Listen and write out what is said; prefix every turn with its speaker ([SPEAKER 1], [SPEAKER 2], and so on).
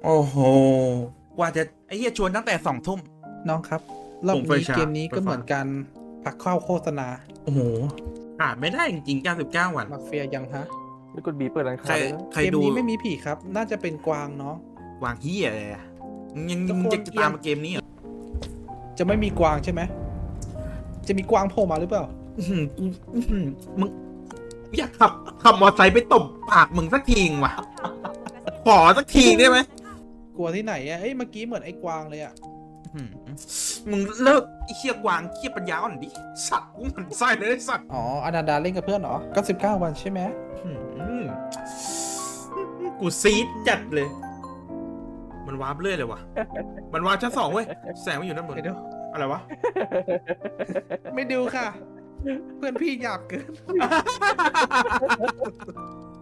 [SPEAKER 1] โอ้โหกว่าจะไอ้เหี้ยชวนตั้งแต่2 ทุ่ม
[SPEAKER 2] น้องครับรอบนี้เกมนี้ก็เหมือนกันพักเข้าโฆษณา
[SPEAKER 1] โอ้โหขาดไม่ได้จริงๆ99 วัน
[SPEAKER 2] มาเฟียยังฮะ
[SPEAKER 3] นี่กดบีเปิดร้าน
[SPEAKER 1] ใคร
[SPEAKER 3] ค้าเลยนะ
[SPEAKER 1] ใคร
[SPEAKER 2] เกม
[SPEAKER 1] ดู
[SPEAKER 2] นี้ไม่มีผีครับ น่าจะเป็นกวางน้อง
[SPEAKER 1] วางเหี้ยอะไรอะมึง
[SPEAKER 2] ทุกคน
[SPEAKER 1] มึงจะตามมาเกมนี้เหรอ
[SPEAKER 2] จะไม่มีกวางใช่ไหมจะมีกวางโผล่มาหรือเปล่า
[SPEAKER 1] มึงอยากขับมอเตอร์ไซค์ไปตบปากมึงสักทีว่ะขอสักทีได้ไหม
[SPEAKER 2] กลัวที่ไหนอ่ะเอ้ยเมื่อกี้เหมือนไอ้กวางเลยอ่ะ
[SPEAKER 1] มึงเลิกไอ้เชี่ยกวางเชี่ยปัญญาอ่อนดิสัตว์กูหมันไส้เลยไอ้สัตว์
[SPEAKER 2] อ๋ออนันดาเล่นกับเพื่อนเหรอ99 วันใช่ไหม
[SPEAKER 1] กูซีดจัดเลย มันวาร์ปเรื่อยเลยว่ะมันวาร์ปชั้น 2เว้ยแสงมันอยู่ด้านบน
[SPEAKER 2] ไม่ดู
[SPEAKER 1] อะไรวะ
[SPEAKER 2] ไม่ดูค่ะ เพื่อนพี่หยาบเกิน